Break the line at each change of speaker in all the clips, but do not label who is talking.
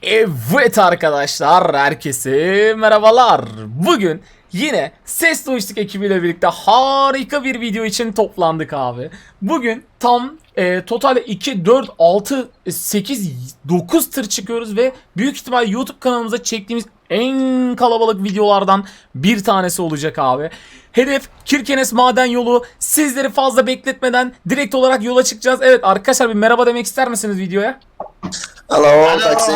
Evet arkadaşlar, herkese merhabalar. Bugün yine Ses Lojistik ekibiyle birlikte harika bir video için toplandık abi. Bugün tam totalde 2, 4, 6, 8, 9 tır çıkıyoruz ve büyük ihtimal YouTube kanalımıza çektiğimiz en kalabalık videolardan bir tanesi olacak abi. Hedef Kirkenes Maden Yolu. Sizleri fazla bekletmeden direkt olarak yola çıkacağız. Evet arkadaşlar, bir merhaba demek ister misiniz videoya?
Hello, taxi.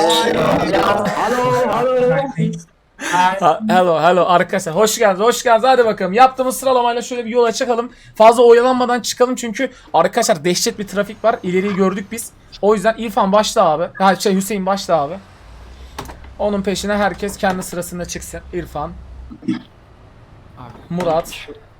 Hello arkadaşlar, hoş geldiniz. Hadi bakalım, yaptığımız sıralamayla şöyle bir yola çıkalım. Fazla oyalanmadan çıkalım çünkü arkadaşlar dehşet bir trafik var. İleriyi gördük biz. O yüzden İrfan başla abi. Hüseyin başla abi. Onun peşine herkes kendi sırasında çıksın. İrfan, Murat.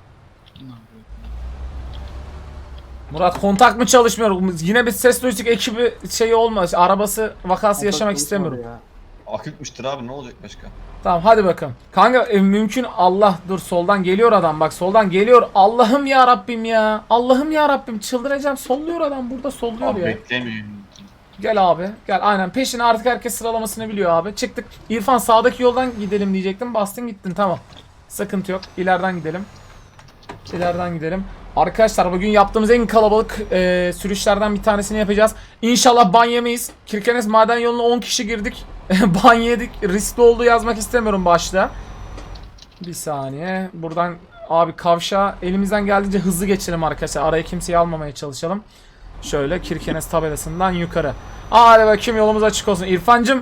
Murat, kontak mı çalışmıyor? Yine bir Ses Lojistik ekibi şeyi olmaz. Arabası vakası yaşamak istemiyorum.
Akıtmıştır abi, ne olacak başka?
Tamam hadi bakalım. Kanka mümkün Allah, dur soldan geliyor adam, bak soldan geliyor. Allah'ım ya Rabbim ya. Allah'ım ya Rabbim, çıldıracağım. Solluyor adam, burada solluyor
Abi
ya.
beklemiyorum.
Gel abi gel, aynen peşine, artık herkes sıralamasını biliyor abi. Çıktık. İrfan sağdaki yoldan gidelim diyecektim, bastın gittin, tamam. Sıkıntı yok, ileriden gidelim. İleriden gidelim. Arkadaşlar bugün yaptığımız en kalabalık sürüşlerden bir tanesini yapacağız. İnşallah ban yemeyiz. Kirkenes Maden Yolu'na 10 kişi girdik. Ban yedik. Riskli olduğu yazmak istemiyorum başta. Bir saniye. Buradan abi kavşağa elimizden geldiğince hızlı geçelim arkadaşlar. Araya kimseyi almamaya çalışalım. Şöyle Kirkenes tabelasından yukarı. Hadi bakayım, yolumuz açık olsun. İrfancım.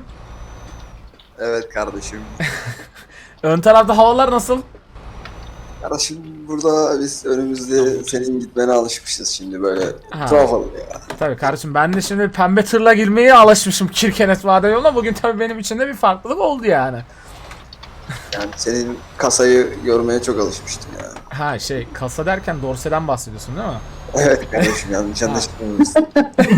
Evet kardeşim.
Ön tarafta havalar nasıl?
Kardeşim burada biz önümüzde senin gitmene alışmışız şimdi böyle
Ha.
tuhaf oluyor ya.
Tabii kardeşim, ben de şimdi pembe tırla girmeye alışmışım Kirkenes Maden Yolu'na. Bugün tabii benim için de bir farklılık oldu yani.
Yani senin kasayı görmeye çok alışmıştım ya.
Ha kasa derken dorseden bahsediyorsun değil mi?
Evet kardeşim, yanlış anlaşılmamışsın.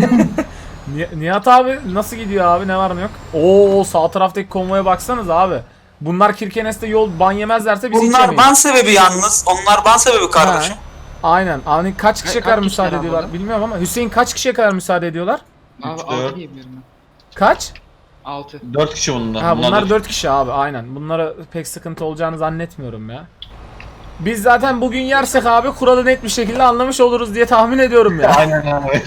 Nihat abi nasıl gidiyor abi, ne var ne yok? Oo, sağ taraftaki konvoya baksanız abi. Bunlar Kirkenes'te yol ban yemezlerse biz hiç
Bunlar
yemeyiz.
ban sebebi yalnız. Onlar ban sebebi kardeşim.
Aynen. Hani kaç kişiye kadar
Kaç
müsaade
kişiler
ediyorlar
abi?
bilmiyorum ama Hüseyin, kaç kişiye kadar müsaade ediyorlar?
Abi
3,
6
4.
diyebilirim ben.
Kaç?
6.
4 kişi bunlar.
Ha, bunlar 4 kişi abi, aynen. Bunlara pek sıkıntı olacağını zannetmiyorum ya. Biz zaten bugün yersek abi kuralı net bir şekilde anlamış oluruz diye tahmin ediyorum ya.
Aynen abi.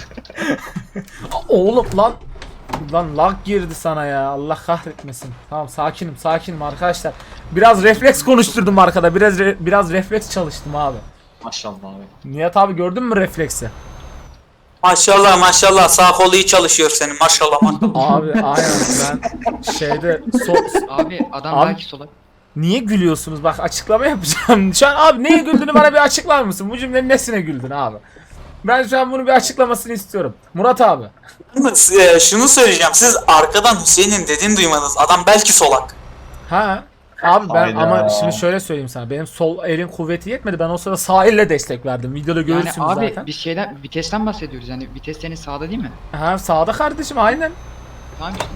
Oğlum lan lag girdi sana ya, Allah kahretmesin. Tamam, sakinim arkadaşlar. Biraz refleks konuşturdum arkada, biraz refleks çalıştım abi.
Maşallah abi.
Nihat abi, gördün mü refleksi?
Maşallah maşallah, sağ kolu iyi çalışıyor senin, maşallah maşallah.
Abi aynen, ben şeyde
Abi adam
Abi-
belki solak.
niye gülüyorsunuz, bak açıklama yapacağım. Şu an abi neye güldüğünü bana bir açıklar mısın? Bu cümlenin nesine güldün abi? Ben şu an bunu bir açıklamasını istiyorum. Murat abi.
Yalnız, şunu söyleyeceğim, siz arkadan Hüseyin'in dediğini duymadınız. Adam belki solak.
Ha? Abi ben
Hayda.
ama şimdi şöyle söyleyeyim sana. Benim sol elin kuvveti yetmedi. Ben o sırada sağ elle destek verdim. Videoda
Yani
görürsünüz
abi
zaten.
bir şeyden vitesten bahsediyoruz. Yani vites senin sağda değil mi?
Ha, sağda kardeşim, aynen.
Tamam işte.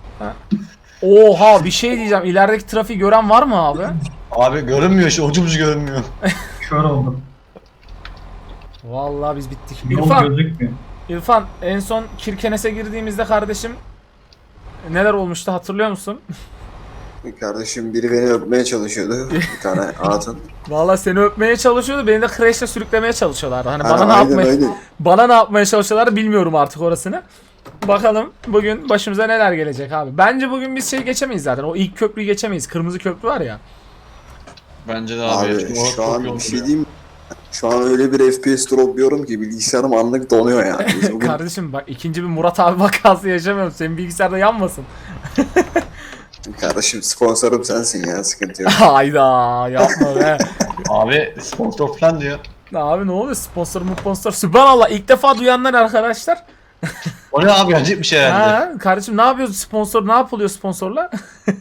Oha, bir şey diyeceğim. İlerideki trafiği gören var mı abi?
Abi görünmüyor, şu ucu bucu görünmüyor.
Kör oldum.
Vallahi biz bittik.
Yol gözükmüyor.
İrfan, en son Kirkenes'e girdiğimizde kardeşim neler olmuştu hatırlıyor musun?
Kardeşim biri beni öpmeye çalışıyordu. Bir tane hatun.
Vallahi seni öpmeye çalışıyordu. Beni de crash'le sürüklemeye çalışıyorlardı. Hani
Ha,
bana ne
aynen,
yapmaya
aynen.
bana ne yapmaya çalışıyorlar bilmiyorum artık orasını. Bakalım bugün başımıza neler gelecek abi. Bence bugün biz geçemeyiz zaten. O ilk köprüyü geçemeyiz. Kırmızı köprü var ya.
Bence de abi.
Abi
Çok
şu an
yol
bir şey
duruyor.
diyeyim mi? Şu an öyle bir FPS dropluyorum ki bilgisayarım anlık donuyor yani. Biz bugün
Kardeşim bak, ikinci bir Murat abi vakası yaşamıyorum. Senin bilgisayarda yanmasın.
kardeşim sponsorum sensin ya, sıkıntı yok.
Hayda, yapma be.
Abi sponsor falan diyor.
Abi ne oluyor, sponsor. Sübhanallah, ilk defa duyanlar arkadaşlar.
O ne abi, gelecek bir şey herhalde.
Ha, kardeşim ne yapıyoruz, sponsor ne yapılıyor sponsorla?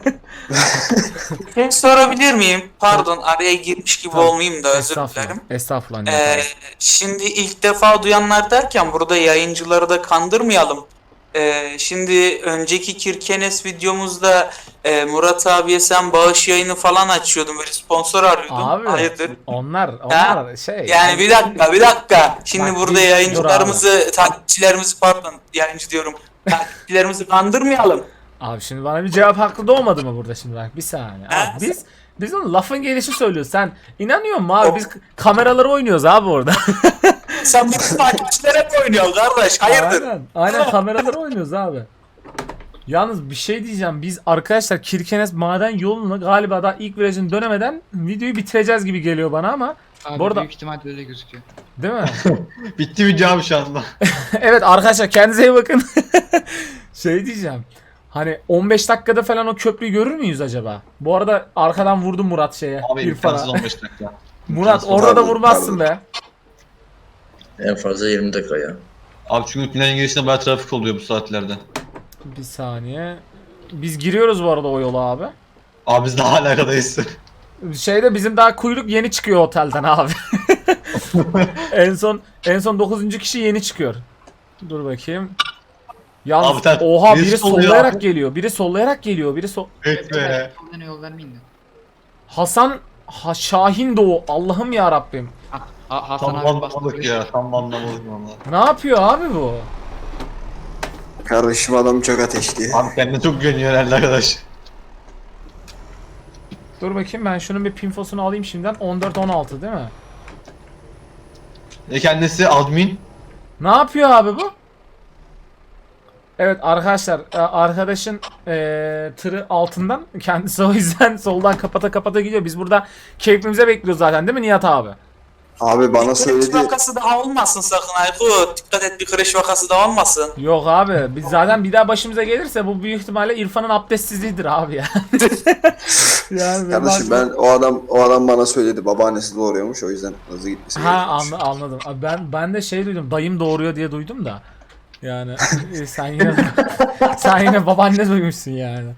Ben sorabilir miyim? Pardon, araya girmiş gibi olmayayım da özür dilerim.
Estağfurullah. Nihat abi.
Şimdi ilk defa duyanlar derken burada yayıncıları da kandırmayalım. Şimdi önceki Kirkenes videomuzda Murat abiye sen bağış yayını falan açıyordun, böyle sponsor arıyordun.
Abi
Hayırdır?
onlar
Yani bir dakika. Şimdi
Bak,
burada
dur
takipçilerimizi, pardon, yayıncı diyorum. Takipçilerimizi kandırmayalım.
Abi şimdi bana bir cevap hakkı doğmadı mı burada şimdi bak bir saniye. Abi biz onun lafın gelişi söylüyoruz. Sen inanıyor musun abi? Biz kameraları oynuyoruz abi orada.
Sen bu takipçilere hep oynuyorsun kardeş. Hayırdır?
Aynen kameraları oynuyoruz abi. Yalnız bir şey diyeceğim. Biz arkadaşlar Kirkenes maden yolunu galiba daha ilk virajını dönemeden videoyu bitireceğiz gibi geliyor bana ama
Abi
bu arada
büyük ihtimalle öyle gözüküyor.
değil mi?
Bitti video abi şu anda.
Evet arkadaşlar kendinize iyi bakın. Şey diyeceğim. Hani 15 dakikada falan o köprüyü görür müyüz acaba? Bu arada arkadan vurdu Murat şeye.
Abi
İrfan'a.
imkansız 15 dakika.
Murat
imkansız.
orada da
Pardon,
vurmazsın be.
En fazla 20 dakika ya.
Abi çünkü tünelin girişinde bayağı trafik oluyor bu saatlerde.
Bir saniye. Biz giriyoruz bu arada o yola abi.
Abi biz daha alakadayız.
Şeyde bizim daha kuyruk yeni çıkıyor otelden abi. en son 9. kişi yeni çıkıyor. Dur bakayım. Yalnız
Abi sen-
oha
birisi
biri
sollayor
sollayarak
abi.
geliyor. Biri sollayarak geliyor.
Evet be.
Soldan yol vermeyin de.
Hasan Şahin Doğu. Allah'ım ya Rabbim.
Hasan
Tam
abi bastı.
anlamadık ya. Tam anlamadık valla.
Ne yapıyor abi bu?
Kardeşim adam çok ateşli.
Abi kendine çok güveniyor herhalde arkadaş.
Dur bakayım ben şunun bir pinfosunu alayım şimdiden. 14-16 değil mi?
Kendisi admin.
Ne yapıyor abi bu? Evet arkadaşlar arkadaşın tırı altından kendisi o yüzden soldan kapata kapata gidiyor. Biz burada keyfimize bekliyoruz zaten değil mi Nihat abi?
Abi bana
Kırış
söyledi.
vakası daha olmasın sakın Aykut. Dikkat et bir kırış vakası da olmasın.
Yok abi biz zaten bir daha başımıza gelirse bu büyük ihtimalle İrfan'ın abdestsizliğidir abi ya. Yani
Kardeşim ben o adam bana söyledi. Babaannesi doğuruyormuş o yüzden hızlı gitmesi gerekiyormuş.
Anladım. Abi ben de şey duydum. Dayım doğuruyor diye duydum da. Yani sen yine babaanne duymuşsun yani.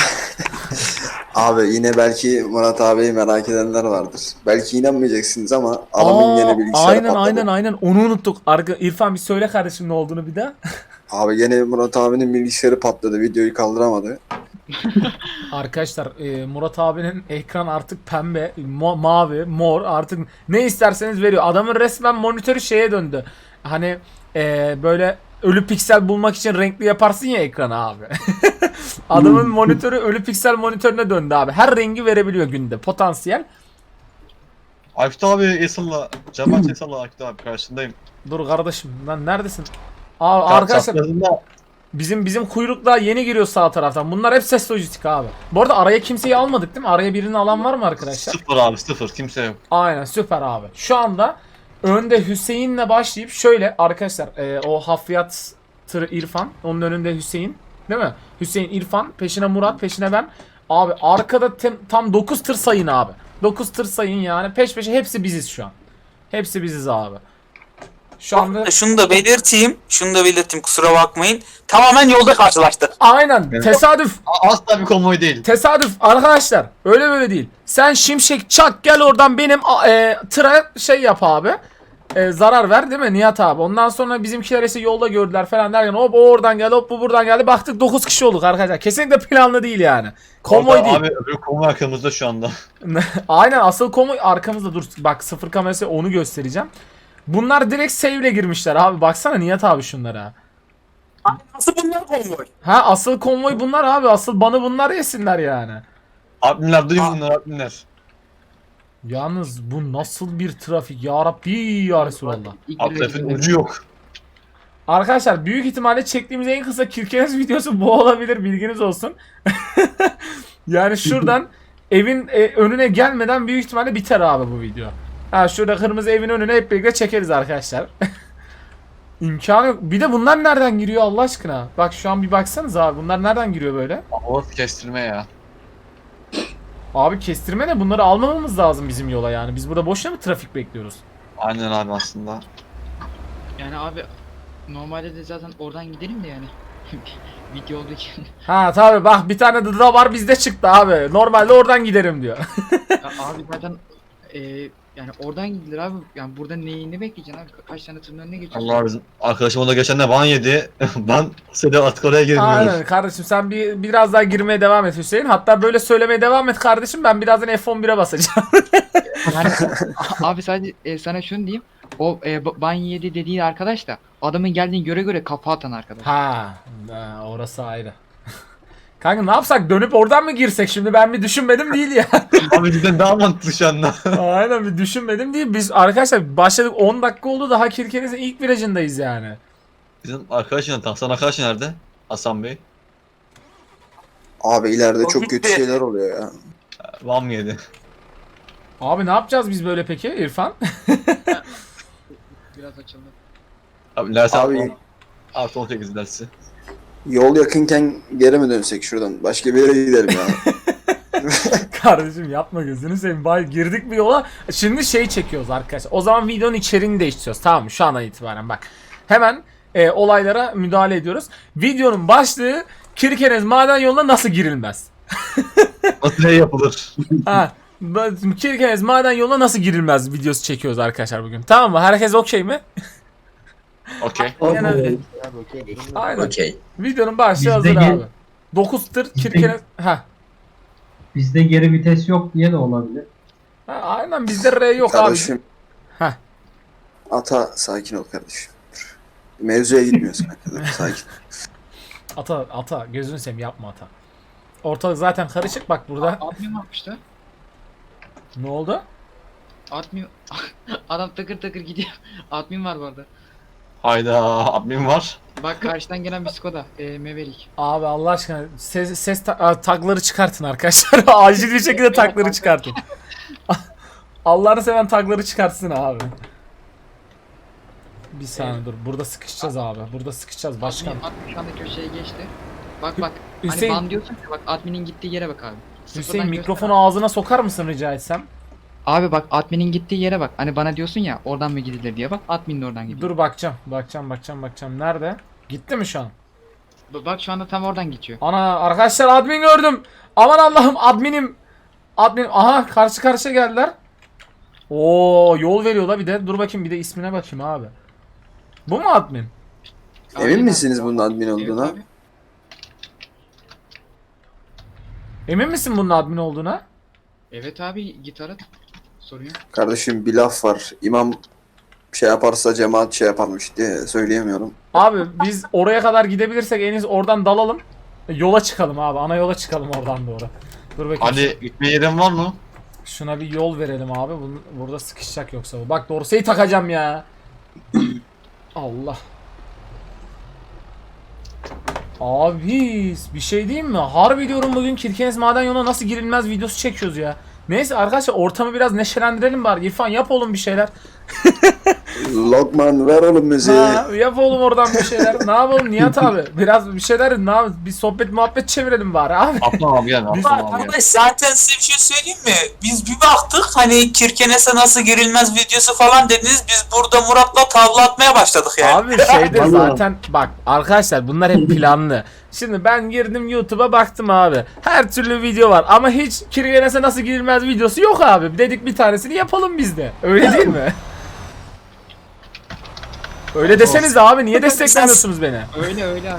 Abi yine belki Murat abiyi merak edenler vardır. Belki inanmayacaksınız ama adamın yine bilgisayarı patladı.
Aynen onu unuttuk. İrfan bir söyle kardeşim ne olduğunu bir daha.
Abi gene Murat abinin bilgisayarı patladı. Videoyu kaldıramadı.
Arkadaşlar Murat abinin ekran artık pembe, mavi, mor artık ne isterseniz veriyor. Adamın resmen monitörü şeye döndü. Hani böyle ölü piksel bulmak için renkli yaparsın ya ekranı abi. Adamın monitörü ölü piksel monitörüne döndü abi. Her rengi verebiliyor günde potansiyel.
Aykut abi Esal'la. Cemal Esal'la Aykut abi karşındayım.
Dur kardeşim lan neredesin? Arkadaşlar bizim kuyrukla yeni giriyor sağ taraftan. Bunlar hep ses lojistik abi. Bu arada araya kimseyi almadık değil mi? Araya birini alan var mı arkadaşlar?
Sıfır abi sıfır. Kimse yok.
Aynen süper abi. Şu anda önde Hüseyin'le başlayıp şöyle arkadaşlar o hafriyat tırı İrfan. Onun önünde Hüseyin. Değil mi? Hüseyin, İrfan. Peşine Murat. Peşine ben. Abi arkada tam 9 tır sayın abi. 9 tır sayın yani. Peş peşe hepsi biziz şu an. Hepsi biziz abi. Şu anda
Şunu da belirteyim. Kusura bakmayın. Tamamen yolda karşılaştık.
aynen
Evet.
tesadüf.
Asla bir konvoy değil.
Tesadüf arkadaşlar. Öyle böyle değil. Sen şimşek çak gel oradan benim tıra şey yap abi. Zarar ver değil mi Nihat abi? Ondan sonra bizimkiler ise yolda gördüler falan derken hop o oradan geldi hop bu buradan geldi. Baktık 9 kişi olduk arkadaşlar. Kesinlikle planlı değil yani. Konvoy
Orada
değil.
Abi öbür konvoy arkamızda şu anda.
Aynen asıl konvoy arkamızda dur. Bak sıfır kamerası onu göstereceğim. Bunlar direkt save'le girmişler abi. Baksana Nihat abi şunlara.
Nasıl bunlar konvoy?
Ha asıl konvoy bunlar abi. Asıl banı bunlar yesinler yani.
Adminler duyun bunlar adminler.
Yalnız bu nasıl bir trafik ya Rabbi ya Resulallah.
İlk
Abi
virajı
trafiğin
verin.
ucu yok.
Arkadaşlar büyük ihtimalle çektiğimiz en kısa Kirkenes videosu bu olabilir bilginiz olsun. Yani şuradan evin önüne gelmeden büyük ihtimalle biter abi bu video. Ha şurada kırmızı evin önüne hep birlikte çekeriz arkadaşlar. İmkanı yok. Bir de bunlar nereden giriyor Allah aşkına? Bak şu an bir baksanız abi bunlar nereden giriyor böyle?
Orası kestirme ya.
Abi kestirme ne? Bunları almamamız lazım bizim yola yani. Biz burada boşuna mı trafik bekliyoruz?
Aynen abi aslında.
Yani abi normalde de zaten oradan gidelim de yani. Video olduğu için.
Ha tabi bak bir tane dıda var bizde çıktı abi. Normalde oradan giderim diyor.
Ya abi zaten yani oradan gidilir abi. Yani burada neyini bekleyeceksin abi? Kaç tane tırın önüne geçiyorsun?
Allah bizim arkadaşım onda geçen de ban yedi. Ben seni artık oraya girmiyorum.
Aynen kardeşim sen biraz daha girmeye devam et Hüseyin. Hatta böyle söylemeye devam et kardeşim. Ben birazdan F11'e basacağım.
Yani, abi sadece sana şunu diyeyim. O ban yedi dediğin arkadaş da adamın geldiğini göre kafa atan arkadaş.
ha orası ayrı. Kanka ne yapsak, dönüp oradan mı girsek şimdi, ben bir düşünmedim değil ya.
Abi cidden daha mantıklı şu anda.
Aynen, bir düşünmedim değil. Biz arkadaşlar başladık, 10 dakika oldu, daha Kirkenes'in ilk virajındayız yani.
Bizim arkadaşın, Hasan arkadaş nerede? Hasan Bey.
Abi ileride
O
çok kötü
gitti.
şeyler oluyor ya.
Van mı yedi?
Abi ne yapacağız biz böyle peki İrfan?
Biraz açıldı.
Abi Lers
Abi-
abi. Artı 18 dersi.
Yol yakınken geri mi dönsek şuradan? Başka bir yere gidelim ya.
Kardeşim yapma, gözünü seveyim. Bay girdik bir yola. Şimdi şey çekiyoruz arkadaşlar. O zaman videonun içeriğini değiştiriyoruz. Tamam mı? Şu andan itibaren bak. Hemen olaylara müdahale ediyoruz. Videonun başlığı Kirkenes maden yoluna nasıl girilmez?
Nasıl ne yapılır?
Ha, Kirkenes maden yoluna nasıl girilmez videosu çekiyoruz arkadaşlar bugün. Tamam mı? Herkes okey mi?
Okey.
Aynen. Aynen.
Okey.
Videonun başlığı hazır
Bizde
abi. 9 tır Kirkenes... Ha.
Bizde geri vites yok diye de olabilir.
Ha, aynen, bizde R yok abi.
Kardeşim.
Heh.
Ata sakin ol kardeşim. Dur. Mevzuya gitmiyorsun. Sakin.
Ata gözünü seveyim, yapma Ata. Ortalık zaten karışık bak burada.
Admin varmış da.
Ne oldu?
Admin... Adam takır takır gidiyor. Admin var bu arada.
Hayda, admin var.
Bak karşıdan gelen bir Skoda. Maverick.
Abi Allah aşkına ses takları çıkartın arkadaşlar. Acil bir şekilde takları çıkartın. Allah'ını seven takları çıkartsın abi. Bir saniye dur. Burada sıkışacağız abi. Burada sıkışacağız başkan.
Admin şu anda köşeye geçti. Bak bak.
Hüseyin-
Hani ban diyorsun ya, bak adminin gittiği yere bak abi.
Hüseyin
Sıfırdan
mikrofonu ağzına sokar mısın rica etsem?
Abi bak adminin gittiği yere bak. Hani bana diyorsun ya oradan mı gidilir diye bak. Admin de oradan gidiyor.
Dur bakacağım. Nerede? Gitti mi şu an?
Bak şu anda tam oradan geçiyor.
Ana arkadaşlar, admin gördüm. Aman Allah'ım, adminim. Aha, karşı karşıya geldiler. Oo, yol veriyorlar bir de. Dur bakayım, bir de ismine bakayım abi. Bu mu admin?
Emin misiniz bunun admin olduğuna?
Evet abi.
Emin misin bunun admin olduğuna?
Evet abi git ara. Sorun yok.
Kardeşim bir laf var. İmam şey yaparsa cemaat şey yaparmış diye söyleyemiyorum.
Abi biz oraya kadar gidebilirsek en iyisi oradan dalalım. Yola çıkalım abi. Ana yola çıkalım oradan doğru. Dur bakayım.
Hadi gitme yerin var mı?
Şuna bir yol verelim abi. Burada sıkışacak yoksa bu. Bak dorseyi takacağım ya. Allah. Abi bir şey diyeyim mi? Harbi diyorum, bugün Kirkenes maden yoluna nasıl girilmez videosu çekiyoruz ya. Neyse arkadaşlar, ortamı biraz neşelendirelim bari. İrfan yap oğlum bir şeyler.
Lokman ver oğlum müziği.
Ha, yap oğlum oradan bir şeyler. Ne yapalım Nihat abi? Biraz bir şeyler, bir sohbet muhabbet çevirelim bari abi.
Atlan abi gel. Atlan abi gel.
Arkadaş zaten size bir şey söyleyeyim mi? Biz bir baktık hani Kirkenes'e nasıl girilmez videosu falan dediniz. Biz burada Murat'la tavla atmaya başladık yani.
Abi şeyde zaten bak arkadaşlar, bunlar hep planlı. Şimdi ben girdim YouTube'a, baktım abi. Her türlü video var ama hiç Kirkenes'e nasıl girilmez videosu yok abi. Dedik bir tanesini yapalım biz de. Öyle değil mi? Öyle deseniz abi, niye desteklemiyorsunuz beni?
Öyle öyle abi.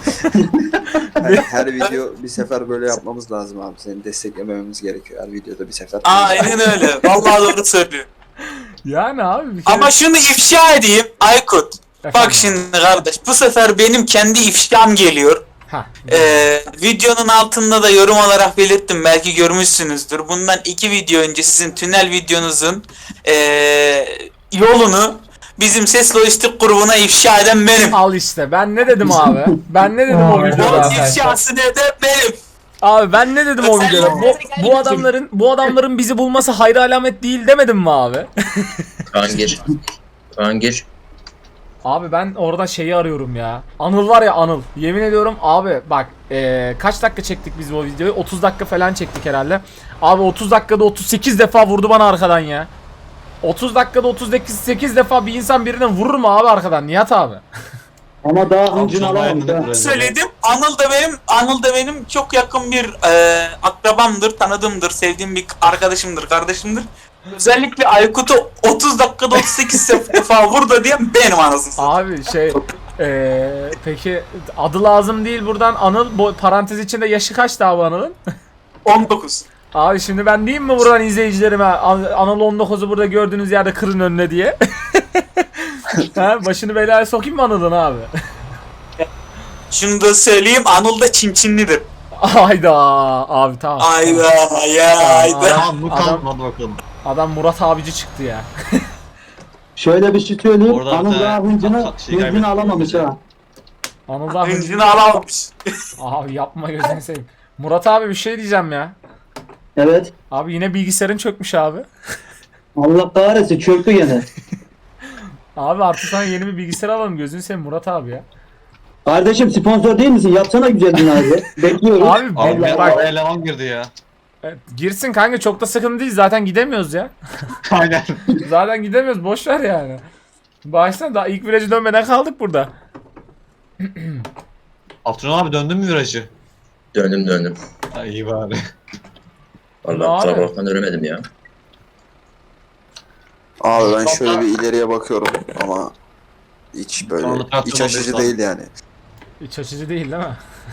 Her video bir sefer böyle yapmamız lazım abi. Seni desteklememiz gerekiyor. Her videoda bir sefer.
Aynen öyle. Vallahi doğru söylüyor.
Yani abi bir kere...
Ama şunu ifşa edeyim Aykut.
Efendim?
Bak şimdi kardeş, bu sefer benim kendi ifşam geliyor.
Hah.
Videonun altında da yorum olarak belirttim, belki görmüşsünüzdür. Bundan 2 video önce sizin tünel videonuzun yolunu bizim Ses Lojistik grubuna ifşa eden benim.
Al işte, ben ne dedim abi? Ben ne dedim o videoda
Yolun
arkadaşlar?
ifşasını eden benim.
Abi ben ne dedim o
Sen
videoda?
nereden
Bu adamların bizi bulması hayır alamet değil demedim mi abi?
Kaan gir. Kaan gir.
Abi ben orada şeyi arıyorum ya. Anıl var ya, Anıl. Yemin ediyorum abi bak, kaç dakika çektik biz bu videoyu? 30 dakika falan çektik herhalde. Abi 30 dakikada 38 defa vurdu bana arkadan ya. 30 dakikada 38 defa bir insan birine vurur mu abi arkadan Nihat abi?
Ama daha hıncını
Altın
alamamış
ayağını
ha.
Söyledim. Anıl da benim çok yakın bir akrabamdır, tanıdığımdır, sevdiğim bir arkadaşımdır, kardeşimdir. Özellikle Aykut'u 30 dakikada 38 defa vurdu diyen benim anasını satayım.
Abi şey peki adı lazım değil buradan, Anıl bu parantez içinde yaşı kaçtı abi Anıl'ın?
19.
Abi şimdi ben diyeyim mi buradan izleyicilerime, Anıl 19'u burada gördüğünüz yerde kırın önüne diye. Ha, başını belaya sokayım mı Anıl'ın abi?
Şunu da söyleyeyim, Anıl da Çinçinlidir.
Hayda abi tamam.
Ayda ya ayda.
Tamam bu
Adam-
kalmadı bakalım.
Adam Murat abici çıktı ya.
Şöyle bir şey söyleyeyim.
Orada
Anıl
da-
daha hıncını,
şey
hıncını
kaybettik.
alamamış ha.
Anıl da
Hıncını alamamış.
Abi yapma gözünü seveyim. Murat abi bir şey diyeceğim ya.
Evet.
Abi yine bilgisayarın çökmüş abi.
Allah kahretsin çöktü gene.
Abi artık sana yeni bir bilgisayar alalım gözünü seveyim Murat abi ya.
Kardeşim sponsor değil misin? Yapsana güzelliğini abi. Bekliyoruz.
Abi
Abi
bak
araya eleman girdi ya.
girsin kanka çok da sıkıntı değil zaten gidemiyoruz ya.
Aynen.
Zaten gidemiyoruz boş ver yani. Baştan daha ilk virajı dönmeden kaldık burada.
Abdurrahman abi döndün mü virajı?
Döndüm.
Ha, iyi bari.
Vallahi
Abi.
kusura bakma dönemedim ya.
Abi ben şöyle bir ileriye bakıyorum ama hiç böyle
Sonra traktör
iç açıcı
oluyor
değil yani.
İç açıcı değil mi?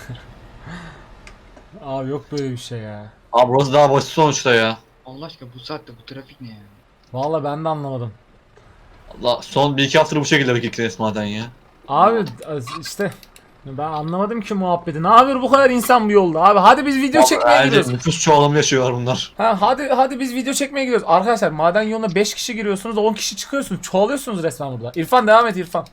Abi yok böyle bir şey ya.
Abi burası daha basit sonuçta ya.
Allah aşkına bu saatte bu trafik ne ya?
Vallahi ben de anlamadım.
Allah son 1-2 haftadır bu şekilde vakit resmaden ya.
Abi işte ben anlamadım ki muhabbeti. Ne yapıyor bu kadar insan bu yolda abi? Hadi biz video çekmeye
Bence
gidiyoruz.
nüfus çoğalımı yaşıyorlar bunlar.
Ha hadi biz video çekmeye gidiyoruz. Arkadaşlar maden yoluna 5 kişi giriyorsunuz, 10 kişi çıkıyorsunuz. Çoğalıyorsunuz resmen burada. İrfan devam et İrfan.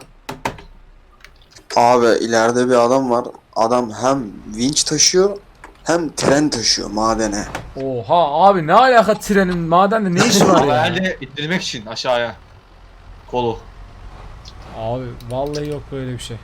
Abi ileride bir adam var. Adam hem vinç taşıyor hem tren taşıyor madene.
Oha abi ne alaka trenin madende ne işi var
Ama
ya?
herhalde ittirmek için aşağıya. Kolu.
Abi vallahi yok böyle bir şey.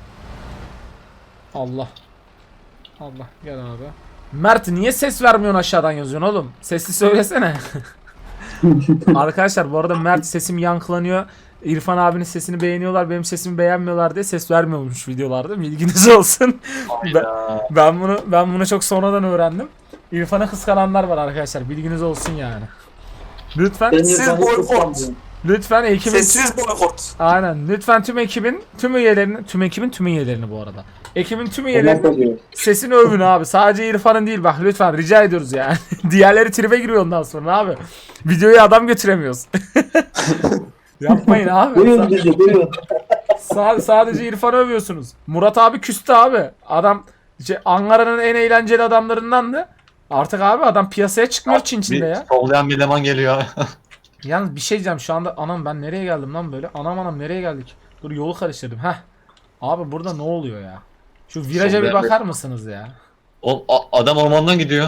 Allah. Allah gel abi. Mert niye ses vermiyorsun aşağıdan yazıyorsun oğlum? Sesli söylesene. Arkadaşlar bu arada Mert sesim yankılanıyor. İrfan abinin sesini beğeniyorlar, benim sesimi beğenmiyorlar diye ses vermiyormuş videolarda. Bilginiz olsun. Ben bunu çok sonradan öğrendim. İrfan'a kıskananlar var arkadaşlar. Bilginiz olsun yani. Lütfen
Siz boykot.
lütfen ekibin
Sessiz boykot.
aynen lütfen tüm ekibin üyelerini bu arada. Ekibin tüm üyelerinin sesini övün abi. Sadece İrfan'ın değil bak lütfen rica ediyoruz yani. Diğerleri tribe giriyor ondan sonra abi. Videoya adam götüremiyoruz. Yapmayın abi.
Buyurun bizi buyurun.
Sadece İrfan'ı övüyorsunuz. Murat abi küstü abi. Adam Ankara'nın en eğlenceli adamlarındandı. Artık abi adam piyasaya çıkmıyor Çin Çin'de
Bir
ya.
sollayan bir eleman geliyor.
Yalnız bir şey diyeceğim şu anda anam ben nereye geldim lan böyle? Anam nereye geldik? Dur yolu karıştırdım. Heh. Abi burada ne oluyor ya? Şu viraja bir bakar mısınız ya?
Adam ormandan gidiyor.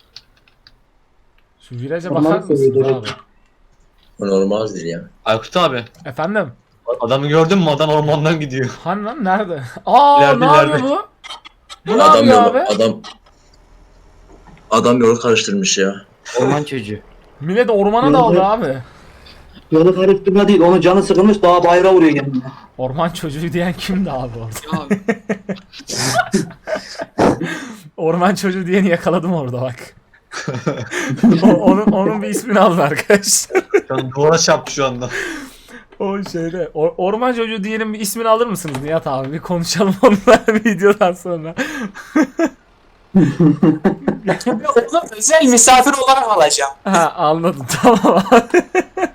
Şu viraja
Orman
bakar mısınız
seviyor,
abi?
O normaldir ya.
Aykut abi.
Efendim?
Adamı gördün mü? Adam ormandan gidiyor.
Hani lan nerede? Aa
İleride,
ne yapıyor
ileride.
bu? Bu ne
Adam
yapıyor
yolu,
abi?
adam yolu karıştırmış ya.
Orman çocuğu.
Millet ormana daldı abi.
Yolu karıştırma değil. Onun canı sıkılmış daha bayrağı vuruyor kendine.
Orman çocuğu diyen kimdi abi orada?
Ya
Orman çocuğu diyeni yakaladım orada bak. onun bir ismini alın arkadaşlar.
Şu duvara çarptı şu anda.
O şeyde orman çocuğu diyenin bir ismini alır mısınız Nihat abi? Bir konuşalım onunla videodan sonra.
Onu özel misafir olarak alacağım.
Ha anladım tamam abi.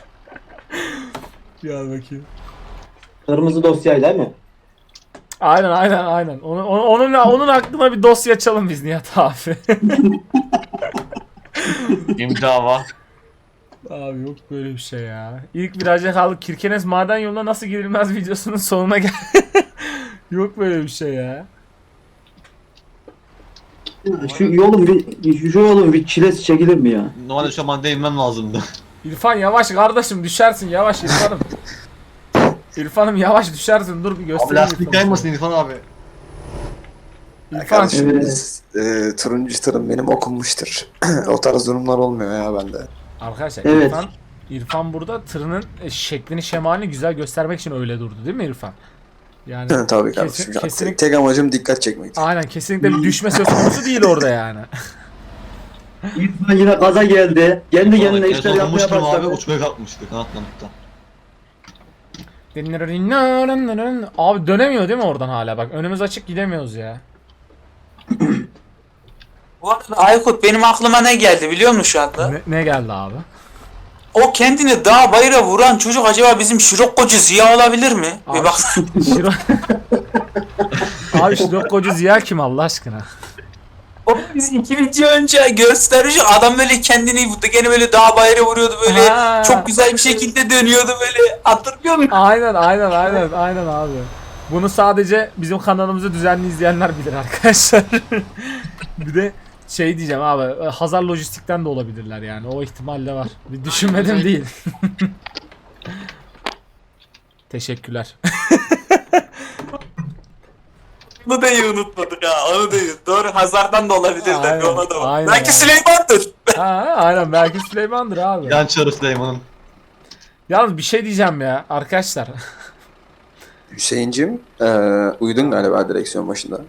Gel bakayım.
Kırmızı dosyayla değil mi?
Aynen. Onun hakkında bir dosya açalım biz Nihat abi.
İmdava.
Abi yok böyle bir şey ya. İlk viraja kaldık. Kirkenes maden yoluna nasıl girilmez videosunun sonuna gel. Yok böyle bir şey ya.
Şu yolun bir çilesi çekilir mi ya?
Normalde şu an değinmem lazımdı.
İrfan yavaş kardeşim düşersin yavaş İrfan'ım. İrfan'ım yavaş düşersin dur bir
Abi
göstereyim
lastik
İrfan'ı.
kaymasın İrfan abi.
İrfan
Kardeşim
Evet.
biz, turuncu tırım benim okunmuştur. O tarz durumlar olmuyor ya bende.
arkadaşlar
Evet.
İrfan burada tırının şeklini şemalini güzel göstermek için öyle durdu değil mi İrfan? Yani
Tabii kardeşim.
kesinlikle
Tek amacım dikkat çekmektir.
aynen kesinlikle bir düşme söz konusu değil orada yani.
İrfan yine gaza geldi. Kendi kendine işler yapmaya
Dokunmuştum abi
başladı.
uçmaya kalkmıştı kanatlanıkta.
Abi dönemiyor değil mi oradan hala bak önümüz açık gidemiyoruz ya.
Bu arada Aykut benim aklıma ne geldi biliyor musun şu anda?
Ne geldi abi?
O kendini dağ bayıra vuran çocuk acaba bizim Şirokkocu Ziya olabilir mi?
Abi-
Bir bak.
Şiro... Abi Şirokkocu Ziya kim Allah aşkına?
O biz 2 video önce gösterici adam böyle kendini gene böyle dağ bayrağı vuruyordu böyle
Ha.
çok güzel bir şekilde dönüyordu böyle hatırlıyor musun?
Aynen abi. Bunu sadece bizim kanalımızı düzenli izleyenler bilir arkadaşlar. Bir de şey diyeceğim abi, Hazar Lojistik'ten de olabilirler yani, o ihtimal de var. Bir düşünmedim değil. Teşekkürler.
Onu da iyi unutmadık ha onu da iyi. Doğru Hazar'dan da olabilir
Aynen,
tabii ona da var.
aynen
Belki
abi.
Süleyman'dır.
Ha, aynen belki Süleyman'dır abi.
Yan çarı Süleyman'ın.
Yalnız bir şey diyeceğim ya arkadaşlar.
Hüseyin'cim uyudun galiba direksiyon başında.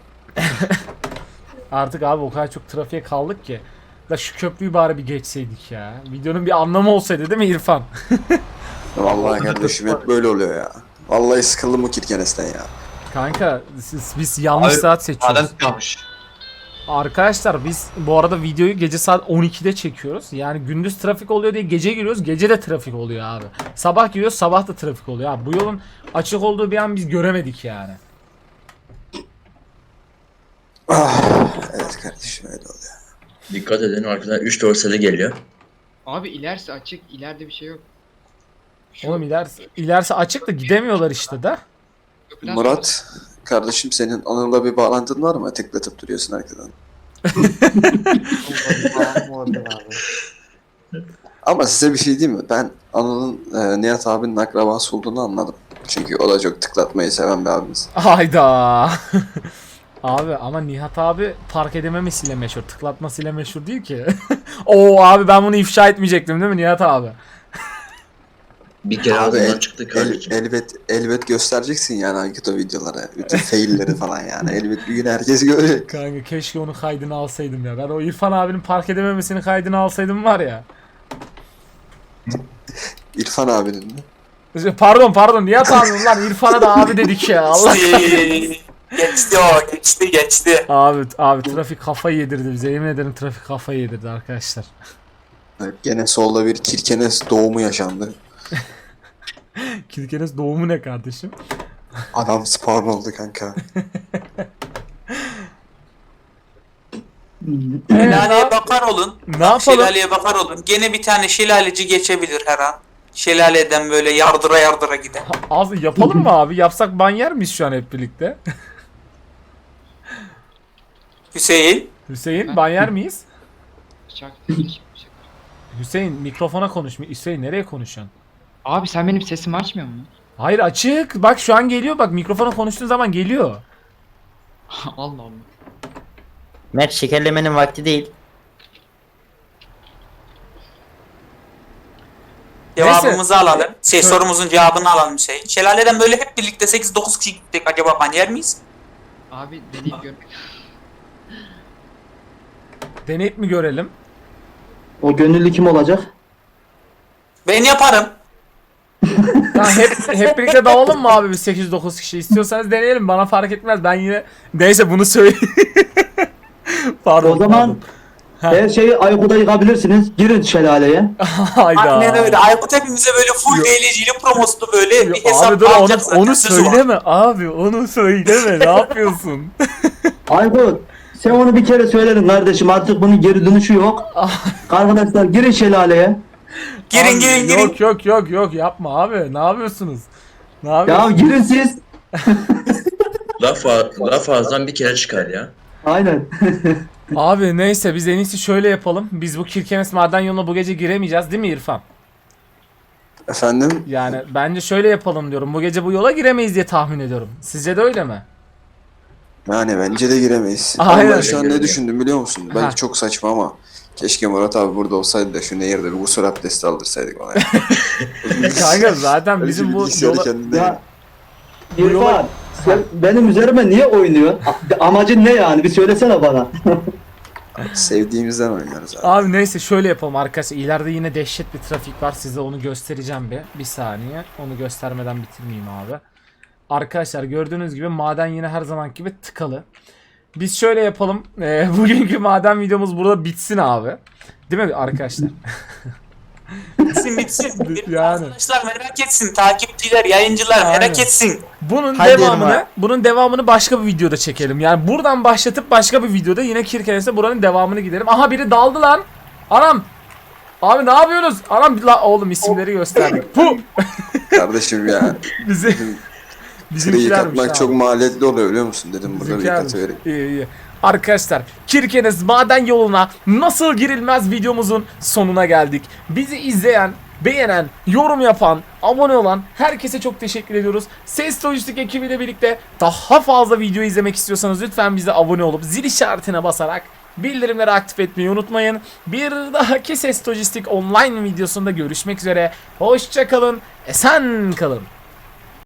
Artık abi o kadar çok trafiğe kaldık ki. Da şu köprüyü bari bir geçseydik ya. Videonun bir anlamı olsaydı değil mi İrfan?
Vallahi kardeşim hep böyle oluyor ya. Vallahi sıkıldım bu Kirkenes'ten ya.
Kanka biz yanlış
Abi,
saat seçiyoruz.
Maden kalmış.
Arkadaşlar biz bu arada videoyu gece saat 12'de çekiyoruz. Yani gündüz trafik oluyor diye gece giriyoruz. Gece de trafik oluyor abi. Sabah giriyoruz, sabah da trafik oluyor abi. Bu yolun açık olduğu bir an biz göremedik yani.
Evet kardeşim öyle oluyor.
Dikkat edin arkadan 3 dorsali geliyor.
Abi ilerisi açık, ileride bir şey yok. Şu
Oğlum ilerisi açık da gidemiyorlar işte de.
köprüden
Murat kardeşim senin Anıl'la bir bağlantın var mı? Tıklatıp duruyorsun arkadan. Ama size bir şey diyeyim mi? Ben Anıl'ın Nihat abinin akrabası olduğunu anladım. Çünkü o da çok tıklatmayı seven bir abimiz.
Hayda. Abi ama Nihat abi park edememesiyle meşhur. Tıklatmasıyla meşhur değil ki. Oo abi ben bunu ifşa etmeyecektim değil mi Nihat abi?
Bir kere
Abi
ağzından çıktı kardeşim.
elbet göstereceksin yani Ankito videoları. Bütün failleri falan yani. Elbet bir gün herkes görecek.
Kanka keşke onun kaydını alsaydım ya. Ben o İrfan abinin park edememesinin kaydını alsaydım var ya.
İrfan abinin mi?
Pardon Nihat abi lan İrfan'a da abi dedik ya. Allah.
Geçti o geçti.
Abi trafik kafayı yedirdi bize. Yemin ederim trafik kafayı yedirdi arkadaşlar.
Evet, gene solda bir Kirkenes doğumu yaşandı.
Kirkenes doğumu ne kardeşim?
Adam spawn oldu kanka.
Şelaleye bakar olun.
Ne yapalım?
Şelaleye bakar olun. Gene bir tane şelaleci geçebilir her an. Şelaleden böyle yardıra gider.
Az yapalım mı abi? Yapsak ban yer miyiz şu an hep birlikte?
Hüseyin.
Hüseyin ban yer miyiz?
Çak.
Hüseyin mikrofona konuş. Hüseyin nereye konuşuyorsun?
Abi sen benim sesimi açmıyor musun?
Hayır açık. Bak şu an geliyor. Bak mikrofona konuştuğun zaman geliyor.
Allah Allah.
Mert şekerlemenin vakti değil.
Cevabımızı alalım.
Şöyle-
Sorumuzun cevabını alalım Hüseyin. Şelaleden böyle hep birlikte 8-9 kişi gittik. Acaba ban yer miyiz?
Abi deneyip gör.
Deneyip mi görelim?
O gönüllü kim olacak?
Ben yaparım.
Tamam hep birlikte dalalım mı abi biz 8-9 kişi? İstiyorsanız deneyelim. Bana fark etmez. Ben yine neyse bunu söyleyeyim. Pardon.
O zaman
Ha.
her şeyi Aykut'a yıkabilirsiniz. Girin şelaleye.
Hayda.
Aynen öyle. Aykut hepimize böyle full DLC'li promoslu böyle bir hesap
Abi dur
alacak zaten.
onu
Sözü var.
söyleme abi. Onu söyleme. Ne yapıyorsun?
Aykut sen onu bir kere söyledin kardeşim, artık bunun geri dönüşü yok. Arkadaşlar girin şelaleye.
Girin.
Yok yapma abi. Ne yapıyorsunuz? Ne
Ya
yapıyorsunuz?
girin siz.
Laf ağızdan bir kere çıkar ya.
Aynen.
Abi neyse biz en iyisi şöyle yapalım. Biz bu Kirkenes maden yoluna bu gece giremeyeceğiz değil mi İrfan?
Efendim?
Yani bence şöyle yapalım diyorum. Bu gece bu yola giremeyiz diye tahmin ediyorum. Sizce de öyle mi?
Yani bence de giremeyiz.
Aynen.
Ama ben şu an ne düşündüm biliyor musun?
Ha.
Belki çok saçma ama keşke Murat abi burada olsaydı da şu nehirde bir gusül abdesti aldırsaydık ona.
Kanka zaten bizim bu
Bilgisayarı
yola...
kendine-
Ya
Bu yola-
İrfan sen benim üzerime niye oynuyorsun? Amacın ne yani? Bir söylesene bana.
Sevdiğimizden oynuyoruz abi.
Abi neyse şöyle yapalım arkadaşlar. İleride yine dehşet bir trafik var. Size onu göstereceğim bir. Bir saniye. Onu göstermeden bitirmeyeyim abi. Arkadaşlar gördüğünüz gibi maden yine her zamanki gibi tıkalı. Biz şöyle yapalım. Bugünkü maden videomuz burada bitsin abi. Değil mi arkadaşlar?
Bitsin.
Yani.
Arkadaşlar merak etsin. Takipçiler, yayıncılar
Aynen.
merak etsin.
Bunun devamını başka bir videoda çekelim. Yani buradan başlatıp başka bir videoda yine Kirkenes'e buranın devamını gidelim. Aha biri daldı lan. Anam. Abi ne yapıyorsunuz? Anam oğlum isimleri gösterdik. Puh.
Kardeşim ya.
Bizi
Treyi
bizimkilermiş
katmak
abi.
çok maliyetli oluyor biliyor musun? Dedim burada bir
Bizimkilermiş.
katı vereyim.
İyi. Arkadaşlar Kirkenes maden yoluna nasıl girilmez videomuzun sonuna geldik. Bizi izleyen, beğenen, yorum yapan, abone olan herkese çok teşekkür ediyoruz. Ses Lojistik ekibiyle birlikte daha fazla video izlemek istiyorsanız lütfen bize abone olup zil işaretine basarak bildirimleri aktif etmeyi unutmayın. Bir dahaki Ses Lojistik online videosunda görüşmek üzere. Hoşça kalın, esen kalın.